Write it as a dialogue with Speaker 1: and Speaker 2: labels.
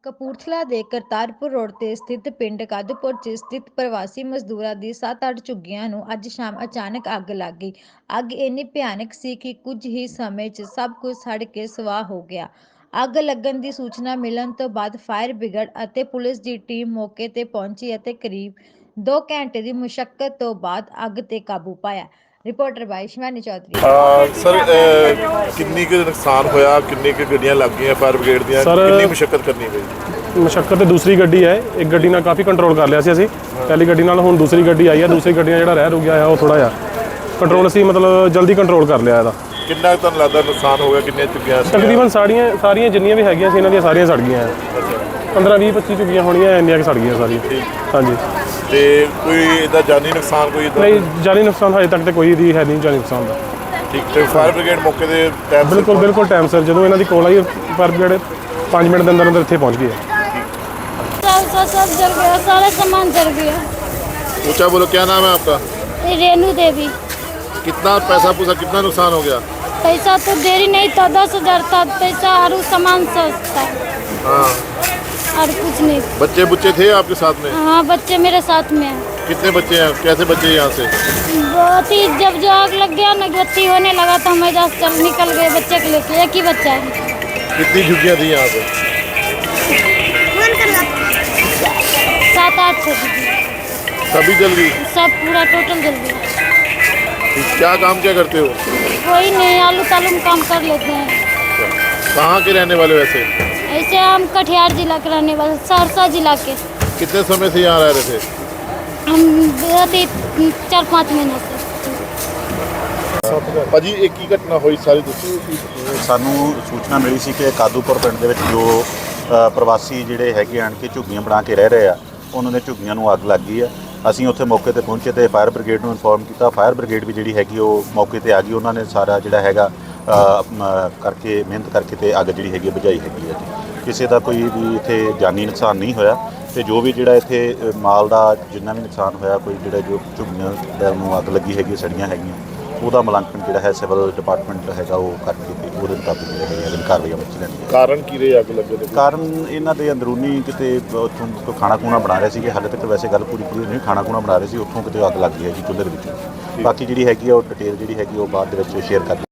Speaker 1: ਕਪੂਰਥਲਾ ਦੇ ਕਰਤਾਰਪੁਰ ਰੋਡ ਤੇ ਸਥਿਤ ਪਿੰਡ ਕਾਦੂਪੁਰ 'ਚ ਸਥਿਤ ਪ੍ਰਵਾਸੀ ਮਜ਼ਦੂਰਾਂ ਦੀ 7-8 ਝੁੱਗੀਆਂ ਨੂੰ ਅੱਜ ਸ਼ਾਮ ਅਚਾਨਕ ਅੱਗ ਲੱਗ ਗਈ। ਅੱਗ ਇੰਨੀ ਭਿਆਨਕ ਸੀ ਕਿ ਕੁਝ ਹੀ ਸਮੇਂ 'ਚ ਸਭ ਕੁਝ ਸੜ ਕੇ ਸੁਆਹ ਹੋ ਗਿਆ। ਅੱਗ ਲੱਗਣ ਦੀ ਸੂਚਨਾ ਮਿਲਣ ਤੋਂ ਬਾਅਦ ਫਾਇਰ ਬ੍ਰਿਗੇਡ ਅਤੇ ਪੁਲਿਸ ਦੀ ਟੀਮ ਮੌਕੇ ਤੇ ਪਹੁੰਚੀ ਅਤੇ ਕਰੀਬ 2 ਘੰਟੇ ਦੀ ਮੁਸ਼ੱਕਤ ਤੋਂ ਬਾਅਦ ਅੱਗ ਤੇ ਕਾਬੂ ਪਾਇਆ। Reporter by Shivani Chaudhary.
Speaker 2: Sir ਕਿੰਨੀ ਕੁ ਨੁਕਸਾਨ ਹੋਇਆ, ਕਿੰਨੀ ਕੁ ਗੱਡੀਆਂ ਲੱਗ ਗਈਆਂ ਫਾਇਰ ਬ੍ਰਿਗੇਡ ਦੀਆਂ, ਕਿੰਨੀ ਮੁਸ਼ੱਕਤ ਕਰਨੀ ਪਈ?
Speaker 3: ਮੁਸ਼ੱਕਤ ਤੇ ਦੂਸਰੀ ਗੱਡੀ ਹੈ, ਇੱਕ ਗੱਡੀ ਨਾਲ ਕਾਫੀ ਕੰਟਰੋਲ ਕਰ ਲਿਆ ਸੀ ਅਸੀਂ ਪਹਿਲੀ ਗੱਡੀ ਨਾਲ। ਹੁਣ ਦੂਸਰੀ ਗੱਡੀ ਆਈ ਹੈ, ਦੂਸਰੀ ਗੱਡੀ ਨਾਲ ਜਿਹੜਾ ਰਹਿ ਰੁ ਗਿਆ ਹੈ ਉਹ ਥੋੜਾ ਜਿਹਾ ਕੰਟਰੋਲ ਅਸੀਂ ਮਤਲਬ ਜਲਦੀ ਕੰਟਰੋਲ ਕਰ ਲਿਆ ਇਹਦਾ।
Speaker 2: ਕਿੰਨਾ ਕੁ ਤੁਹਾਨੂੰ ਲੱਗਦਾ ਨੁਕਸਾਨ ਹੋ ਗਿਆ, ਕਿੰਨੀਆਂ ਝੁੱਗੀਆਂ ਸੀ?
Speaker 3: ਤਕਰੀਬਨ ਸਾਰੀਆਂ ਜਿੰਨੀਆਂ ਵੀ ਹੈਗੀਆਂ ਸੀ ਇਹਨਾਂ ਦੀਆਂ ਸਾਰੀਆਂ ਸੜ ਗਈਆਂ। 15-20-25 ਝੁੱਗੀਆਂ ਹੋਣੀਆਂ, ਇੰਨੀਆਂ ਕਿ ਸੜ ਗਈਆਂ ਸਾਰੀਆਂ। ਹਾਂਜੀ।
Speaker 2: ਤੇ ਕੋਈ ਇਹਦਾ ਜਾਨੀ ਨੁਕਸਾਨ ਕੋਈ ਇੱਦਾਂ?
Speaker 3: ਨਹੀਂ, ਜਾਨੀ ਨੁਕਸਾਨ ਹਜੇ ਤੱਕ ਤੇ ਕੋਈ ਵੀ ਹੈ ਨਹੀਂ ਜਾਨੀ ਨੁਕਸਾਨ ਦਾ।
Speaker 2: ਠੀਕ। ਤੇ ਫਾਇਰ ਬ੍ਰਿਗੇਡ ਮੌਕੇ ਦੇ ਟਾਈਮ
Speaker 3: ਬਿਲਕੁਲ ਟਾਈਮ ਸਿਰ ਜਦੋਂ ਇਹਨਾਂ ਦੀ ਕੋਲ ਆਈ ਫਾਇਰ ਬ੍ਰਿਗੇਡ 5 ਮਿੰਟ ਦੇ ਅੰਦਰ ਅੰਦਰ ਇੱਥੇ पहुँच गए।
Speaker 4: सब जल गया, सारा सामान जल गया।
Speaker 2: ऊंचा बोलो, क्या नाम है आपका?
Speaker 4: रेणु देवी।
Speaker 2: कितना पैसा पूसा, कितना नुकसान हो गया?
Speaker 4: पैसा तो देरी नहीं था, 10,000 था पैसा और सामान सस्ता
Speaker 2: हाँ।
Speaker 4: और कुछ नहीं।
Speaker 2: बच्चे बुच्चे थे आपके साथ में?
Speaker 4: हाँ, बच्चे मेरे साथ में हैं।
Speaker 2: कितने बच्चे हैं, कैसे बच्चे यहाँ से?
Speaker 4: बहुत ही जब जो आग लग गया ना, बत्ती होने लगा तो हम इधर चल निकल गए बच्चे को लेके। एक ही बच्चा है।
Speaker 2: कितनी झुग्गियाँ थी यहाँ पे?
Speaker 4: 7-8 थे।
Speaker 2: सभी जल गई?
Speaker 4: सब पूरा टोटल जल गया।
Speaker 2: क्या काम क्या करते हो?
Speaker 4: कोई नहीं, आलू तालू में काम कर लेते हैं।
Speaker 2: कहाँ के रहने वाले वैसे?
Speaker 4: ऐसे हम कटिहार जिला के रहने वाले, सहरसा जिला के।
Speaker 2: कितने समय से यहाँ रह रहे थे?
Speaker 4: हम 4-5 महीने से।
Speaker 2: ਭਾਜੀ ਇਹ ਕੀ ਘਟਨਾ ਹੋਈ ਸਾਰੀ ਦੱਸੋ।
Speaker 5: ਸਾਨੂੰ ਸੂਚਨਾ ਮਿਲੀ ਸੀ ਕਿ ਕਾਦੂਪੁਰ ਪਿੰਡ ਦੇ ਵਿੱਚ ਜੋ ਪ੍ਰਵਾਸੀ ਜਿਹੜੇ ਹੈਗੇ ਆਣ ਕੇ ਝੁੱਗੀਆਂ ਬਣਾ ਕੇ ਰਹਿ ਰਹੇ ਆ, ਉਹਨਾਂ ਦੇ ਝੁੱਗੀਆਂ ਨੂੰ ਅੱਗ ਲੱਗ ਗਈ ਆ। ਅਸੀਂ ਉੱਥੇ ਮੌਕੇ ਤੇ ਪਹੁੰਚੇ ਤੇ ਫਾਇਰ ਬ੍ਰਿਗੇਡ ਨੂੰ ਇਨਫੋਰਮ ਕੀਤਾ। ਫਾਇਰ ਬ੍ਰਿਗੇਡ ਵੀ ਜਿਹੜੀ ਹੈਗੀ ਉਹ ਮੌਕੇ ਤੇ ਆ ਗਈ। ਉਹਨਾਂ ਨੇ ਸਾਰਾ ਜਿਹੜਾ ਹੈਗਾ ਕਰਕੇ ਮਿਹਨਤ ਕਰਕੇ ਤੇ ਅੱਗ ਜਿਹੜੀ ਹੈਗੀ ਬੁਝਾਈ ਹੈਗੀ ਹੈ ਜੀ। ਕਿਸੇ ਦਾ ਕੋਈ ਵੀ ਇੱਥੇ ਜਾਨੀ ਨੁਕਸਾਨ ਨਹੀਂ ਹੋਇਆ ਤੇ ਜੋ ਵੀ ਜਿਹੜਾ ਇੱਥੇ ਮਾਲ ਦਾ ਜਿੰਨਾ ਵੀ ਨੁਕਸਾਨ ਹੋਇਆ, ਕੋਈ ਜਿਹੜਾ ਜੋ ਝੁੱਗੀਆਂ ਨੂੰ ਅੱਗ ਲੱਗੀ ਹੈਗੀ ਸੜੀਆਂ ਹੈਗੀਆਂ, ਉਹਦਾ ਮੁਲਾਂਕਣ ਜਿਹੜਾ ਹੈ ਸਿਵਲ ਡਿਪਾਰਟਮੈਂਟ ਹੈਗਾ ਉਹ ਕਰਕੇ ਤੇ ਉਹਦੇ ਮੁਤਾਬਿਕ ਜਿਹੜੇ ਹੈਗੇ ਕਾਰਵਾਈਆਂ ਵਿੱਚ ਲੈਣੀ ਹੈ।
Speaker 2: ਕਾਰਨ ਕੀ ਰਹੇ ਅੱਗ ਲੱਗਣ ਦੇ?
Speaker 5: ਕਾਰਨ ਇਹਨਾਂ ਦੇ ਅੰਦਰੂਨੀ ਕਿਤੇ ਉੱਥੋਂ ਕੋਈ ਖਾਣਾ ਖੂਣਾ ਬਣਾ ਰਹੇ ਸੀਗੇ। ਹਾਲੇ ਤੱਕ ਵੈਸੇ ਗੱਲ ਪੂਰੀ ਨਹੀਂ, ਖਾਣਾ ਖੂਣਾ ਬਣਾ ਰਹੇ ਸੀ, ਉੱਥੋਂ ਕਿਤੇ ਅੱਗ ਲੱਗ ਗਈ ਹੈ ਜੀ ਚੁੱਲ੍ਹੇ ਦੇ ਵਿੱਚ। ਬਾਕੀ ਜਿਹੜੀ ਹੈਗੀ ਆ ਉਹ ਡਿਟੇਲ ਜਿਹੜੀ ਹੈਗੀ ਉਹ ਬਾਅਦ ਦੇ ਵਿੱਚ ਸ਼ੇਅਰ ਕਰ